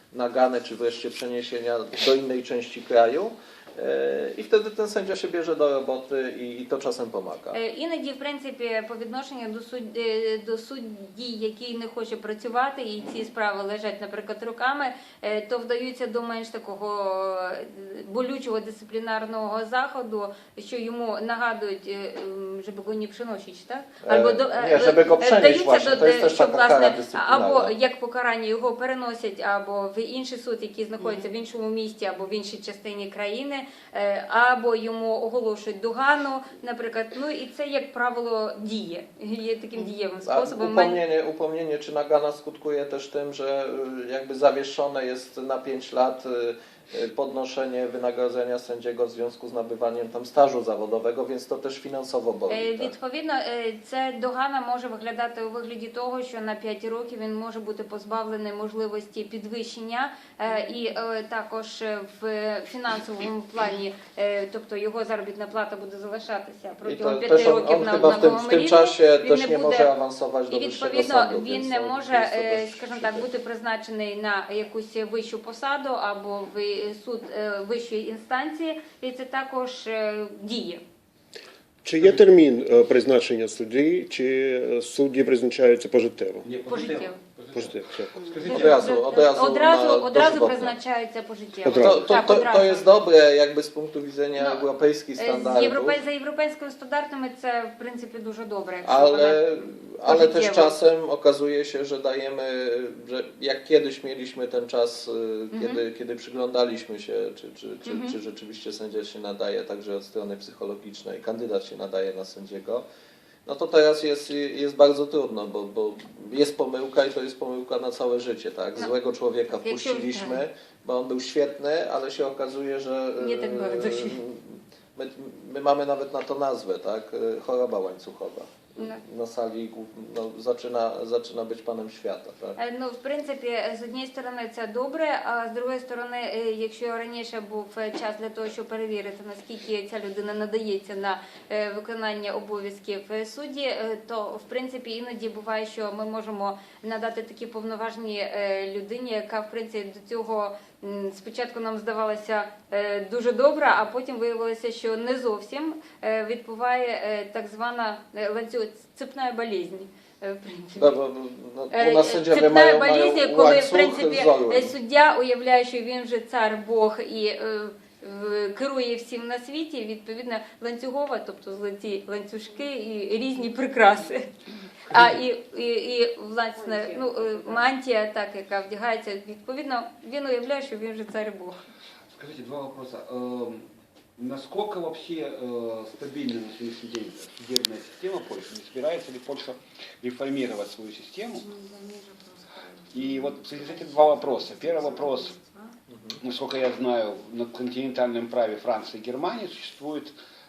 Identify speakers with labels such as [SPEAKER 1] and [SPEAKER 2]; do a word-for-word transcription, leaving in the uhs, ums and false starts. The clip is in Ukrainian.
[SPEAKER 1] nagany, czy wreszcie przeniesienia do innej części kraju. І вtedy ten sędzia się bierze do roboty і, і то czasem pomaga.
[SPEAKER 2] Іноді, в принципі, по відношенню до судді, до судді, який не хоче працювати, і ці справи лежать, наприклад, руками, то вдаються до менш такого болючого дисциплінарного заходу, що йому нагадують, щоб go nie przenosić, так?
[SPEAKER 1] Або до, nie, żeby go przenieść właśnie, to jest też taka kara dyscyplinarna.
[SPEAKER 2] Або як покарання його переносять або в інший суд, який знаходиться в іншому місті, або в іншій частині країни, або йому оголошують догану, наприклад. Ну і це, як правило, діє. Є таким дієвим способом.
[SPEAKER 1] Upomnienie, upomnienie czy nagana skutkuje też tym, że jakby zawieszone jest na pięć lat podnoszenie wynagrodzenia sędziego w związku z nabywaniem tam stażu zawodowego, więc to też finansowo boli. Tak?
[SPEAKER 2] Відповідно, це догана може виглядати у вигляді того, що на п'ять років він може бути позбавлений можливості підвищення і також в фінансовому плані, тобто його заробітна плата буде залишатися протягом п'яти років на одному рівні.
[SPEAKER 1] W tym czasie też nie może awansować do
[SPEAKER 2] І
[SPEAKER 1] wyższego
[SPEAKER 2] відповідно
[SPEAKER 1] sądu,
[SPEAKER 2] він не може, скажімо так, бути призначений на якусь вищу посаду або в суд вищої інстанції, і це також діє.
[SPEAKER 3] Чи є термін призначення судді, чи судді призначаються пожиттєво?
[SPEAKER 2] Пожиттєво.
[SPEAKER 3] Пожиттєво.
[SPEAKER 1] Одразу, одразу,
[SPEAKER 2] одразу, одразу
[SPEAKER 1] dożywotnie.
[SPEAKER 2] призначаються пожиттєво.
[SPEAKER 1] To, to,
[SPEAKER 2] Так,
[SPEAKER 1] to,
[SPEAKER 2] одразу.
[SPEAKER 1] to jest dobre jakby z punktu widzenia
[SPEAKER 2] No,
[SPEAKER 1] europejskich
[SPEAKER 2] З
[SPEAKER 1] standardów,
[SPEAKER 2] європей... За європейськими стандартами це, в принципі, дуже добре. Якщо
[SPEAKER 1] ale,
[SPEAKER 2] вона
[SPEAKER 1] ale też
[SPEAKER 2] пожиттєва.
[SPEAKER 1] czasem okazuje się, że dajemy, że jak kiedyś mieliśmy ten czas,
[SPEAKER 2] Mhm.
[SPEAKER 1] kiedy, kiedy przyglądaliśmy się, czy, czy, czy,
[SPEAKER 2] Mhm.
[SPEAKER 1] czy rzeczywiście sędzia się nadaje także od strony psychologicznej, kandydat się nadaje na sędziego, no to teraz jest, jest bardzo trudno, bo, bo jest pomyłka i to jest pomyłka na całe życie, tak? Złego człowieka wpuściliśmy, bo on był świetny, ale się okazuje, że
[SPEAKER 2] Nie tak bardzo się.
[SPEAKER 1] my, my mamy nawet na to nazwę, tak? Choroba łańcuchowa.
[SPEAKER 2] No.
[SPEAKER 1] На салі no, zaczyna, zaczyna być panem świata. Так?
[SPEAKER 2] Ну, в принципі, з однієї сторони це добре, а з другої сторони, якщо раніше був час для того, щоб перевірити, наскільки ця людина надається на виконання обов'язків судді, то, в принципі, іноді буває, що ми можемо надати такі повноважні людині, яка, в принципі, до цього спочатку нам здавалося дуже добра, а потім виявилося, що не зовсім відбуває так звана ланцюг, цепна болезнь. В принципі.
[SPEAKER 1] Да, бо, ну, у нас сидять,
[SPEAKER 2] Цепна болезнь, коли, в принципі,
[SPEAKER 1] зору.
[SPEAKER 2] суддя уявляє, що він вже цар, Бог і е, керує всім на світі, відповідно, ланцюгова, тобто золоті ланцюжки і різні прикраси. А і, і, і власне, ну, мантія, так, яка вдягається, відповідно, він уявляє, що він вже цар і Бог.
[SPEAKER 4] Скажите, два вопроса. Насколько вообще э, стабильна на сегодняшний день судебная система Польши? Не собирается ли Польша реформировать свою систему? И вот эти два вопроса. Первый вопрос. Насколько я знаю, на континентальном праве Франции и Германии существует